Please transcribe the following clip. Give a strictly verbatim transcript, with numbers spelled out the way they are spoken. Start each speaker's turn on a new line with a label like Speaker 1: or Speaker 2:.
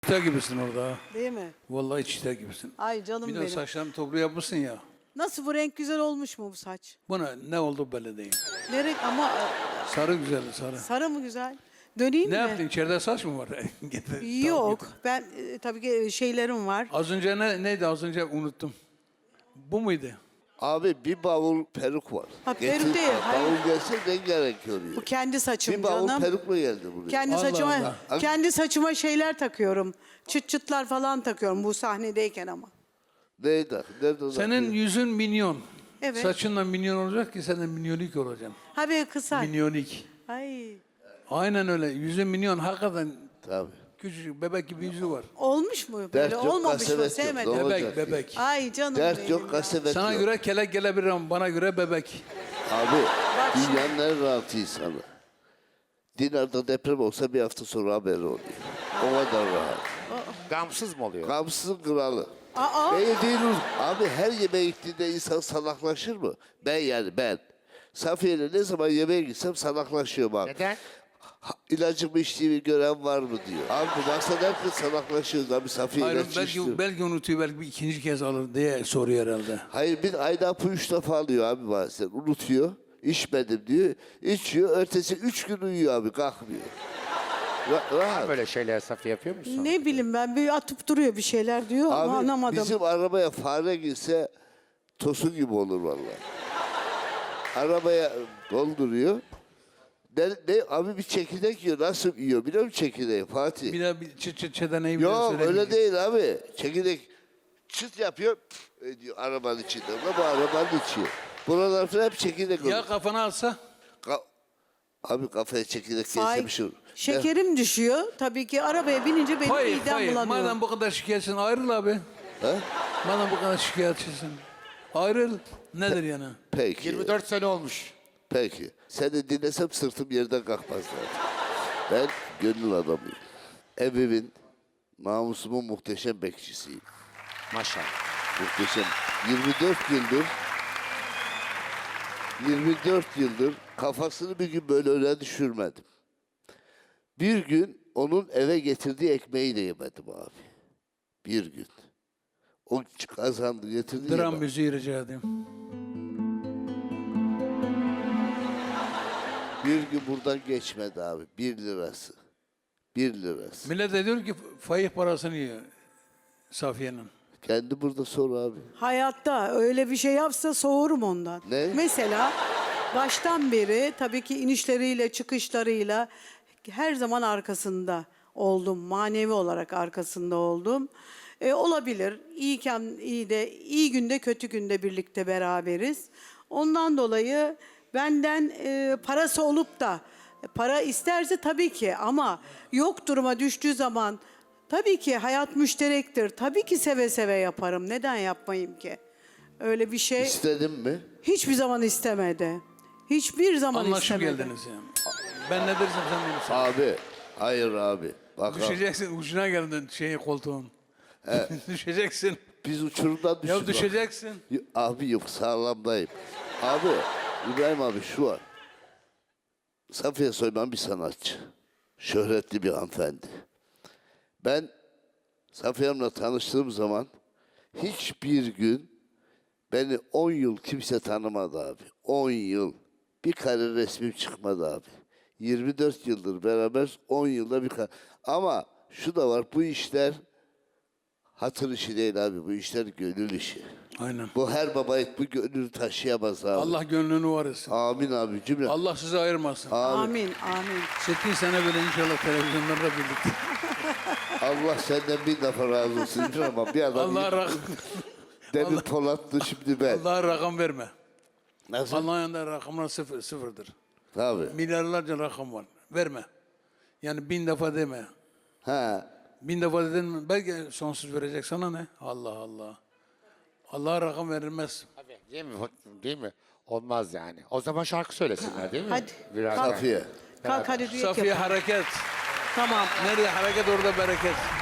Speaker 1: Çita gibisin orada. ha.
Speaker 2: Değil mi?
Speaker 1: Vallahi çita gibisin.
Speaker 2: Ay canım
Speaker 1: Bir de o
Speaker 2: benim.
Speaker 1: saçlarını toplu yapmışsın ya.
Speaker 2: Nasıl, bu renk güzel olmuş mu bu saç?
Speaker 1: Buna ne oldu belli değil.
Speaker 2: Ne renk ama e,
Speaker 1: Sarı güzeldi sarı.
Speaker 2: sarı mı güzel? Döneyim
Speaker 1: Ne
Speaker 2: mi?
Speaker 1: yaptın? İçeride saç mı var? Getir,
Speaker 2: Yok.
Speaker 1: tamam, getir.
Speaker 2: Ben e, tabii ki şeylerim var.
Speaker 1: Az önce ne, neydi? Az önce unuttum. Bu muydu?
Speaker 3: Abi bir bavul peruk var.
Speaker 2: Ha, peruk
Speaker 3: Getir-
Speaker 2: değil, hayır.
Speaker 3: Bavul gelse rengarenk oluyor.
Speaker 2: Bu kendi saçım
Speaker 3: Bir bavul
Speaker 2: canım.
Speaker 3: perukla geldi buraya.
Speaker 2: Kendi
Speaker 1: Allah
Speaker 2: saçıma
Speaker 1: Allah.
Speaker 2: kendi saçıma şeyler takıyorum. Çıt çıtlar falan takıyorum bu sahnedeyken ama.
Speaker 3: Neydi? Nerede o
Speaker 1: Senin
Speaker 3: zaman?
Speaker 1: yüzün minyon.
Speaker 2: Evet.
Speaker 1: Saçınla minyon olacak ki sen de minyonik olacaksın.
Speaker 2: Ha böyle kısa.
Speaker 1: Minyonik.
Speaker 2: Ay.
Speaker 1: Aynen öyle. Yüzün minyon. Hakikaten
Speaker 3: Tabii.
Speaker 2: küçücük
Speaker 1: bebek gibi yüzü var.
Speaker 2: Olmuş mu böyle?
Speaker 3: Dert yok,
Speaker 2: Olmamış mı?
Speaker 3: kasvet yok.
Speaker 2: Sevmedim.
Speaker 3: Ne
Speaker 1: Bebek,
Speaker 3: olacak
Speaker 1: bebek.
Speaker 2: Ay canım
Speaker 3: Dert
Speaker 2: benim
Speaker 3: yok,
Speaker 2: ya.
Speaker 3: kasvet
Speaker 1: Sana
Speaker 3: yok.
Speaker 1: göre kelek gelebilir ama bana göre bebek.
Speaker 3: Abi
Speaker 2: şimdi-
Speaker 3: dünyanın en rahat insanı. Dinar'da deprem olsa bir hafta sonra haberi oluyor. O kadar rahat.
Speaker 4: Gamsız mı oluyor?
Speaker 3: Gamsızın kralı.
Speaker 2: Aa.
Speaker 3: Beni değil abi, her yemeğe gittiğinde insan salaklaşır mı? Ben yani ben. Safiye'yle ne zaman yemeğe gitsem salaklaşıyorum abi.
Speaker 4: Neden?
Speaker 3: Ha, İlacımı içtiğimi gören var mı diyor. Abi bu maksat herkes salaklaşıyoruz abi, Safiye
Speaker 1: Hayır,
Speaker 3: ilaç içti.
Speaker 1: belki, belki unutuyor, belki bir ikinci kez alır diye soruyor herhalde.
Speaker 3: Hayır, bir ayda hapı üç defa alıyor abi bazen. Unutuyor. İçmedim diyor. İçiyor. Ertesi üç gün uyuyor abi, kalkmıyor. Ra- rahat.
Speaker 4: Böyle şeyler Safiye yapıyor musun?
Speaker 2: Ne bileyim ben, bir atıp duruyor bir şeyler diyor ama
Speaker 3: Abi
Speaker 2: anlamadım.
Speaker 3: bizim arabaya fare girse tosun gibi olur vallahi. Arabaya dolduruyor. Ne, ne, abi bir çekirdek yiyor. Nasıl yiyor biliyor musun çekirdeği Fatih?
Speaker 1: Bir de bir çıt çıt çedeneyi bir de
Speaker 3: Yok
Speaker 1: söyleyeyim.
Speaker 3: öyle değil abi. Çekirdek çıt yapıyor pf, ediyor arabanın içinde. Ama bu arabanın içi. Buralar falan hep çekirdek olur.
Speaker 1: Ya kafana alsa?
Speaker 3: Ka- abi kafaya çekirdek
Speaker 2: Ay,
Speaker 3: gelse bir şey olur.
Speaker 2: şekerim düşüyor. Tabii ki arabaya binince benim
Speaker 1: Hayır,
Speaker 2: midem
Speaker 1: hayır.
Speaker 2: bulanıyor.
Speaker 1: Madem bu kadar şikayetçisin ayrıl abi.
Speaker 3: He?
Speaker 1: Madem bu kadar şikayetçisin. Ayrıl. Nedir yani?
Speaker 3: Peki.
Speaker 4: yirmi dört sene olmuş.
Speaker 3: Peki. Seni dinlesem sırtım yerden kalkmaz zaten. Ben gönül adamıyım. Evimin, namusumun muhteşem bekçisiyim.
Speaker 4: Maşallah.
Speaker 3: Muhteşem. yirmi dört yıldır yirmi dört yıldır kafasını bir gün böyle öne düşürmedim. Bir gün onun eve getirdiği ekmeği de yemedim abi. Bir gün. O kazandı getirdi
Speaker 1: Dram
Speaker 3: yemedim.
Speaker 1: müziği rica edeyim.
Speaker 3: Bir gün buradan geçmedi abi. Bir lirası. Bir lirası.
Speaker 1: Millet de diyor ki fayih parasını yiyor Safiye'nin.
Speaker 3: Kendi burada sor abi.
Speaker 2: Hayatta öyle bir şey yapsa soğurum ondan.
Speaker 3: Ne?
Speaker 2: Mesela baştan beri tabii ki inişleriyle çıkışlarıyla her zaman arkasında oldum. Manevi olarak arkasında oldum. E, olabilir. İyiyken iyi de, iyi günde kötü günde birlikte beraberiz. Ondan dolayı benden e, parası olup da para isterse tabii ki, ama yok duruma düştüğü zaman tabii ki hayat müşterektir. Tabii ki seve seve yaparım. Neden yapmayayım ki? Öyle bir şey
Speaker 3: İstedin mi?
Speaker 2: hiçbir zaman istemedi. Hiçbir zaman
Speaker 1: Anlaşıp
Speaker 2: istemedi.
Speaker 1: geldiniz yani. Ben ne dersem sen de olursun.
Speaker 3: Abi. Hayır abi. Bak abi,
Speaker 1: Düşeceksin, ucuna geldin şeyin koltuğun. Düşeceksin.
Speaker 3: biz uçurumdan düştük.
Speaker 1: Ya
Speaker 3: bak.
Speaker 1: düşeceksin.
Speaker 3: Y- Abi yok, sağlamdayım. Abi İbrahim abi şu var. Safiye Soyman bir sanatçı. Şöhretli bir hanımefendi. Ben Safiye Hanım'la tanıştığım zaman hiçbir gün beni on yıl kimse tanımadı abi. on yıl. Bir kare resmim çıkmadı abi. yirmi dört yıldır beraber, on yılda bir kare. Ama şu da var, bu işler hatır işi değil abi. Bu işler gönül işi.
Speaker 1: Aynen.
Speaker 3: Bu her baba et bu gönlünü taşıyamaz abi.
Speaker 1: Allah gönlünü var etsin.
Speaker 3: Amin abi cümle.
Speaker 1: Allah sizi ayırmasın.
Speaker 2: Amin, amin.
Speaker 1: sekiz sene böyle inşallah televizyonlarda birlikte.
Speaker 3: Allah senden bir defa razı olsun İbrahim abi. Bir adam
Speaker 1: Allah rakam,
Speaker 3: demin Polat'tı, şimdi ben.
Speaker 1: Allah rakam verme.
Speaker 3: Nasıl?
Speaker 1: Allah'ın yanında rakamlar sıfır, sıfırdır.
Speaker 3: Tabii.
Speaker 1: Milyarlarca rakam var. Verme. Yani bin defa deme.
Speaker 3: Ha.
Speaker 1: Bin defa dedin mi? Belki sonsuz verecek sana ne? Allah Allah. Allah'a rakam verilmez.
Speaker 4: Tabii, değil mi? Değil mi? Olmaz yani. O zaman şarkı söylesinler değil mi?
Speaker 2: Hadi.
Speaker 4: Biraz
Speaker 2: Kalk.
Speaker 3: Safiye.
Speaker 2: Kalk hadi düet
Speaker 1: Safiye
Speaker 2: yapalım.
Speaker 1: hareket.
Speaker 2: Tamam.
Speaker 1: Nerede hareket orada bereket.